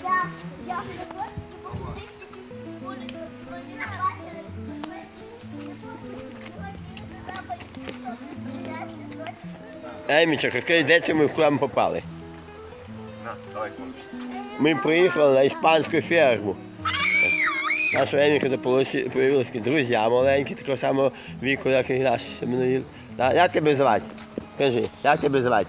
Емічок, розкажи, де це ми в храм попали? Давай, кончись. Ми приїхали на іспанську ферму. Наша Еміка появилися друзі маленькі, такого самого віку, як і наші Семеновіл. Як тебе звати? Кажи, як тебе звати?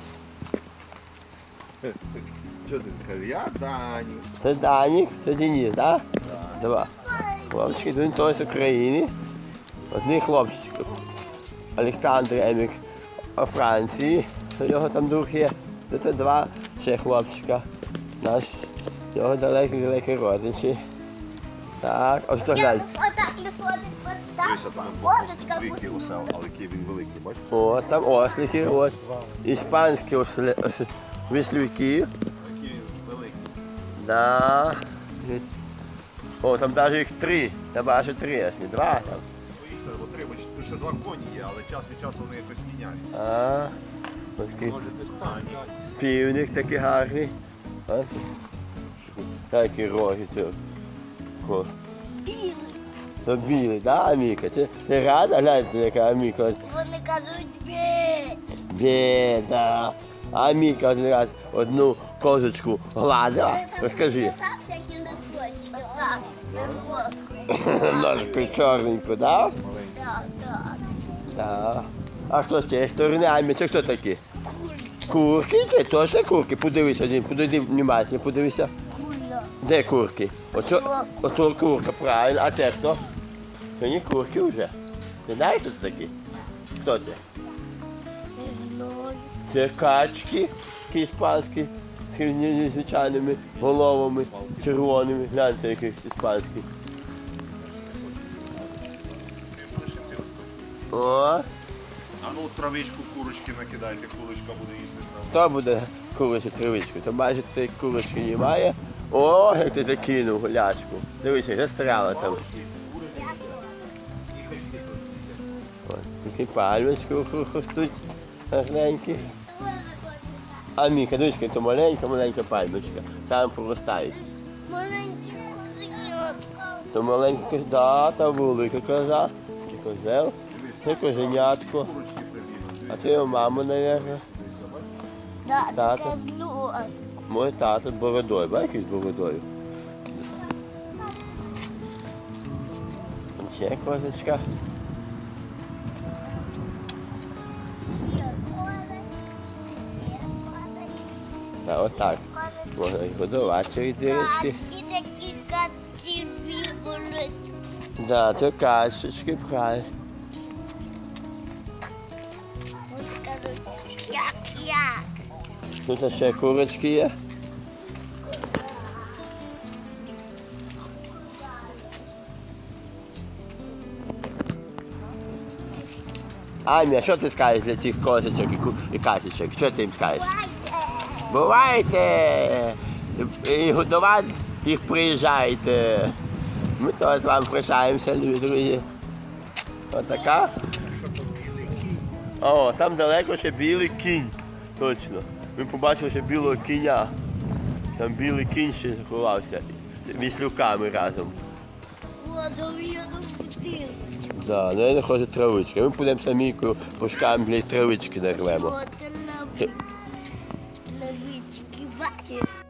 Що ти кажеш? Я Дані. Це Данік, це Денис, так? Два. Хлопчики, він теж з України. Одні хлопчики. Олександр Емік у Франції, його там друг є. Це два ще хлопчика. Наш, його далекі родичі. Так, ось то глянь. Дивися, там великий осел, але який він великий, бачиш? О, там ослики, от. Іспанські віслюки. Який він великий. Да. О, там навіть їх три. Там аж три, аж не два там. Бо три, бо ще два коні є, але час від часу вони якось міняються. А, ось такий Може десь там. півник такий гарний. А? Такі роги цього. Це білий, да, Аміка? Ти рада? Гляньте, яка Аміка. Вони кажуть бє. Бє, да. Аміка один раз одну козочку гладила. Розкажи. Ножку чорненьку, да? Так. А хто ще? Сторони Аміка, хто такі? Курки? Це точно курки? Подивись один, подивись внимательно, подивися. Де курки? Ото курка, правильно. А це хто? Це не курки вже. Ти знаєш, хто це такі? Хто це? Це качки, такі іспанські, з незвичайними головами, червоними. Гляньте, яких іспанських. О, А ну травичку курочки накидайте, курочка буде їсти. хто буде курочку травичку? То майже цієї курочки немає. О, як ти закинув гулячку. Дивися, застряла там. Ось, такі пальмочки ростуть гарненькі. А Міка, дочка, то маленька пальмочка. Там проростають. Маленький козенятка. То маленька, да, та велика коза. Чи козел. Це козенятко. А це його мама, мабуть. Да, Тато. таке зло. Мой тато з бородою, бачиш, з бородою. Ще козочка. Та отак. Можна їх годувати через дірочки. Качки такі качки виборуть. Да, це качечки, правильно. Вони кажуть, як. Тут ще курочки є. Амі, а що ти скажеш для цих козочок і качечок? Що ти їм скажеш? Бувайте! І годувати їх приїжджайте. Ми теж з вами прощаємося, любі друзі. Отака. О, там далеко ще білий кінь. Точно. Ми побачили ще білого кіня. Там білий кінь ще заховався. Віслюками разом. Водов'яну бутилку. Да, не хоче травички. Ми підемо самійкою пошукаємо для травички нарвемо. От лавички, бачиш.